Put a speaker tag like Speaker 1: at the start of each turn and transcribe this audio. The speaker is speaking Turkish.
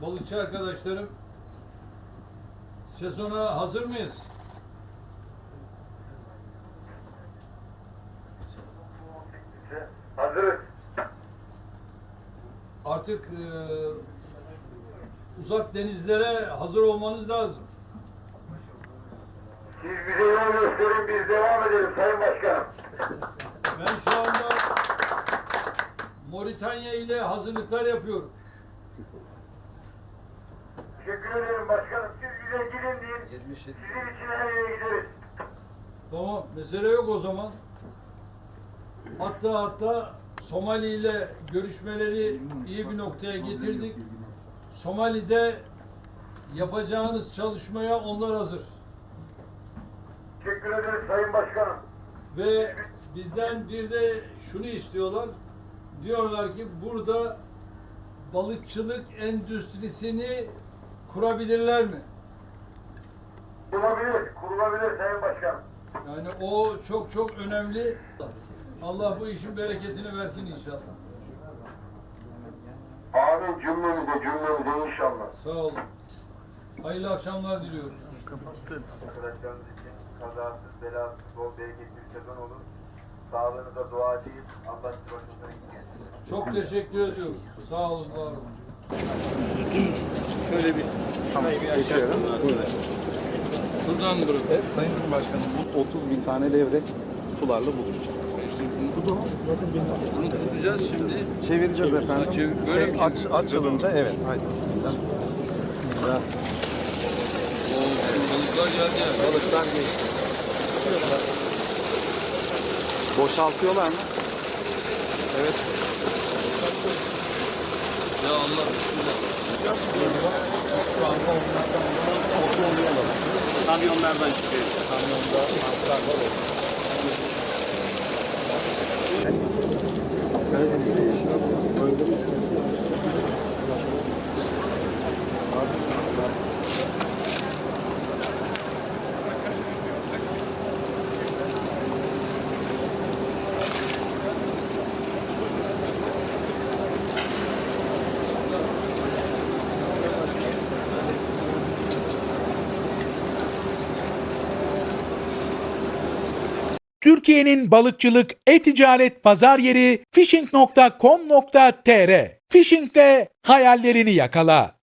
Speaker 1: balıkçı arkadaşlarım, sezona hazır mıyız?
Speaker 2: Hazırız.
Speaker 1: Artık uzak denizlere hazır olmanız lazım.
Speaker 2: Siz bize yol gösterin, biz devam edelim Sayın Başkanım.
Speaker 1: Ben şu anda Moritanya ile hazırlıklar yapıyorum.
Speaker 2: Teşekkür ederim başkanım. Siz bize gidin deyin. Sizin için her yere gideriz.
Speaker 1: Tamam, mesele yok o zaman. Hatta Somali ile görüşmeleri iyi bir noktaya getirdik. Somali'de yapacağınız çalışmaya onlar hazır.
Speaker 2: Teşekkür ederiz Sayın Başkanım.
Speaker 1: Ve bizden bir de şunu istiyorlar. Diyorlar ki burada balıkçılık endüstrisini kurabilirler mi?
Speaker 2: Kurulabilir Sayın Başkanım.
Speaker 1: Yani o çok önemli. Allah bu işin bereketini versin inşallah.
Speaker 2: Amin cümlemize inşallah.
Speaker 1: Sağ olun. Hayırlı akşamlar diliyorum.
Speaker 2: Arkadaşlarımız için kazasız, belasız, bol bereketli bir sezon olur. Sağlığınıza duacıyız. Allah sizi başınıza gitsin.
Speaker 1: Çok teşekkür ediyorum. Sağ olun, var olun.
Speaker 3: Şöyle bir şurayı bir açalım arkadaşlar.
Speaker 1: Şuradan bırakın.
Speaker 3: Evet, Sayın Cumhurbaşkanım, bu 30.000 tane levrek sularla buluşacak.
Speaker 1: Bunu tutacağız şimdi.
Speaker 3: Çevireceğiz efendim.
Speaker 1: Böyle mi çeviriyoruz?
Speaker 3: Açılınca evet. Haydi bismillah. Bismillah.
Speaker 1: Balıklar geldi yani.
Speaker 3: Balıklar geçti. Boşaltıyorlar mı? Evet.
Speaker 1: Ya Allah bismillah.
Speaker 3: Kamyonlardan çıkıyor. Kamyonda mantılar var. Karadeniz'de yaşıyor. Böyle mi
Speaker 4: Türkiye'nin balıkçılık, e-ticaret pazar yeri fishing.com.tr. Fishing'de hayallerini yakala.